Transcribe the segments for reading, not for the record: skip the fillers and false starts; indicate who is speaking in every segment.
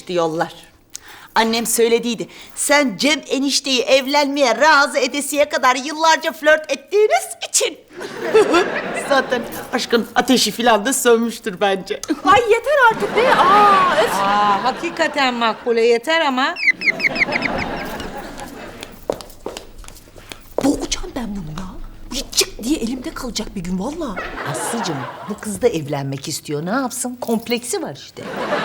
Speaker 1: düştü yollar. Annem söylediydi. Sen Cem enişteyi evlenmeye razı edesiye kadar yıllarca flört ettiğiniz için. Zaten aşkın ateşi filan da sönmüştür bence.
Speaker 2: Ay yeter artık be. Öf.
Speaker 3: Hakikaten Makbule yeter ama.
Speaker 2: Boğacağım ben bunu ya. Bu çık diye elimde kalacak bir gün vallahi.
Speaker 3: Aslıcığım bu kız da evlenmek istiyor. Ne yapsın? Kompleksi var işte.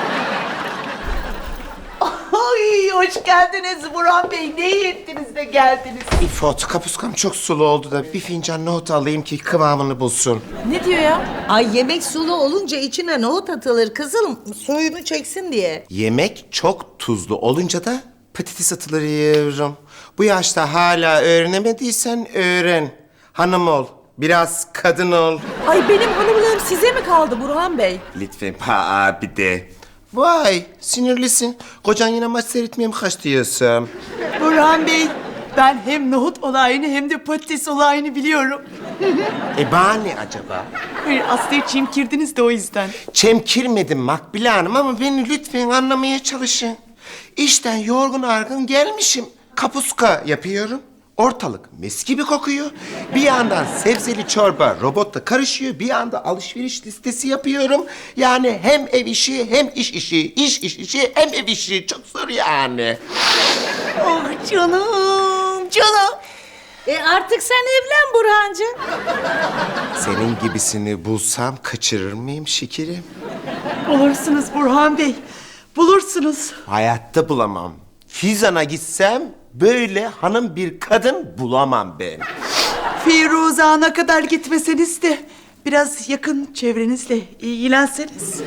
Speaker 1: Ay hoş geldiniz Burhan Bey. Ne iyi ettiniz de geldiniz.
Speaker 4: İfot, kapuskam çok sulu oldu da bir fincan nohut alayım ki kıvamını bulsun.
Speaker 2: Ne diyor ya?
Speaker 3: Ay yemek sulu olunca içine nohut atılır kızım. Suyunu çeksin diye.
Speaker 4: Yemek çok tuzlu olunca da patates atılır yiyorum. Bu yaşta hala öğrenemediysen öğren. Hanım ol, biraz kadın ol.
Speaker 2: Ay benim hanımlığım size mi kaldı Burhan Bey?
Speaker 4: Lütfen abi de. Vay, sinirlisin. Kocan yine maç seyretmeye mi kaç diyorsun?
Speaker 1: Burhan Bey, ben hem nohut olayını hem de patates olayını biliyorum.
Speaker 4: Bana ne acaba?
Speaker 1: Hayır, Aslı'yı çimkirdiniz de o yüzden.
Speaker 4: Çemkirmedim Makbule Hanım ama beni lütfen anlamaya çalışın. İşten yorgun argın gelmişim. Kapuska yapıyorum. Ortalık mis gibi kokuyor. Bir yandan sebzeli çorba robotla karışıyor. Bir yanda alışveriş listesi yapıyorum. Yani hem ev işi hem iş işi. İş işi hem ev işi. Çok zor yani.
Speaker 1: Oh canım, canım.
Speaker 3: Artık sen evlen Burhancığım.
Speaker 4: Senin gibisini bulsam kaçırır mıyım şekerim?
Speaker 1: Bulursunuz Burhan Bey, bulursunuz.
Speaker 4: Hayatta bulamam. Fizan'a gitsem böyle hanım bir kadın bulamam ben.
Speaker 1: Firuze Han'a kadar gitmeseniz de biraz yakın çevrenizle ilgilenseniz.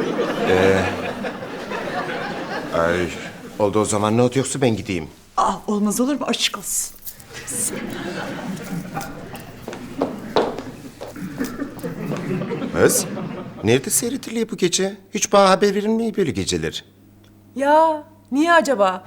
Speaker 4: Ay, oldu o zaman not yoksa ben gideyim.
Speaker 1: Olmaz olur mu? Aşk olsun.
Speaker 4: Kız, nerede seyrediliyor bu gece? Hiç bana haber verilmiyor böyle geceler.
Speaker 2: Ya niye acaba?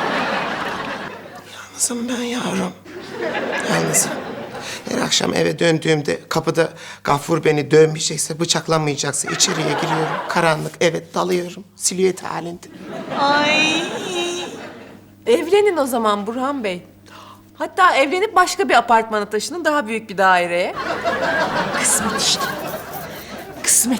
Speaker 4: Yalnızım ben yavrum. Yalnızım. Her akşam eve döndüğümde kapıda Gafur beni dövmeyecekse, bıçaklamayacaksa içeriye giriyorum. Karanlık, evet dalıyorum. Silüet halinde.
Speaker 1: Ay.
Speaker 2: Evlenin o zaman Burhan Bey. Hatta evlenip başka bir apartmana taşının, daha büyük bir daireye.
Speaker 1: Kısmet işte. Kısmet.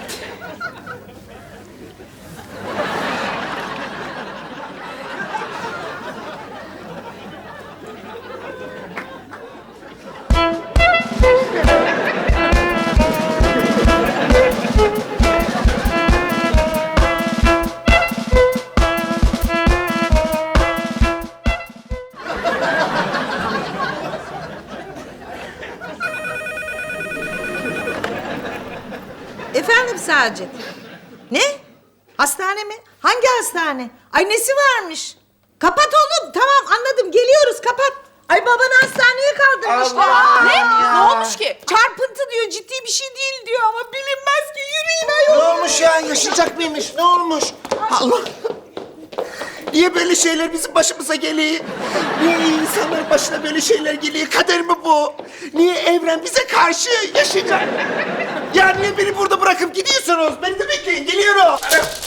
Speaker 3: Efendim Sacit? Ne? Hastane mi? Hangi hastane? Ay nesi varmış? Kapat oğlum. Tamam anladım. Geliyoruz kapat. Ay babanı hastaneye kaldırmışlar.
Speaker 2: Ne olmuş ki?
Speaker 3: Çarpıntı diyor. Ciddi bir şey değil diyor ama bilinmez ki. Yürüyün ayol.
Speaker 4: Ne olmuş ya? Yaşayacak mıymış? Ne olmuş? Allah! Niye böyle şeyler bizim başımıza geliyor? Niye insanların başına böyle şeyler geliyor? Kader mi bu? Niye evren bize karşı yaşayacak? Ya niye beni burada bırakıp gidiyorsunuz? Beni de bekleyin, geliyorum.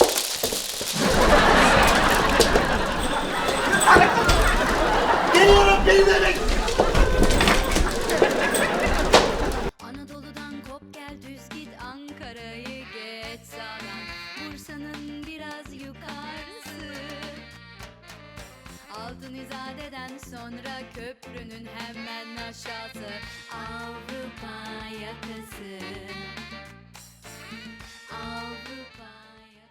Speaker 4: Geliyorum, beni de bekleyin.
Speaker 5: Anadolu'dan kop gel düz git Ankara'yı geç sağdan Bursa'nın biraz yukarısı Altın İzade'den sonra köprünün hemen aşağısı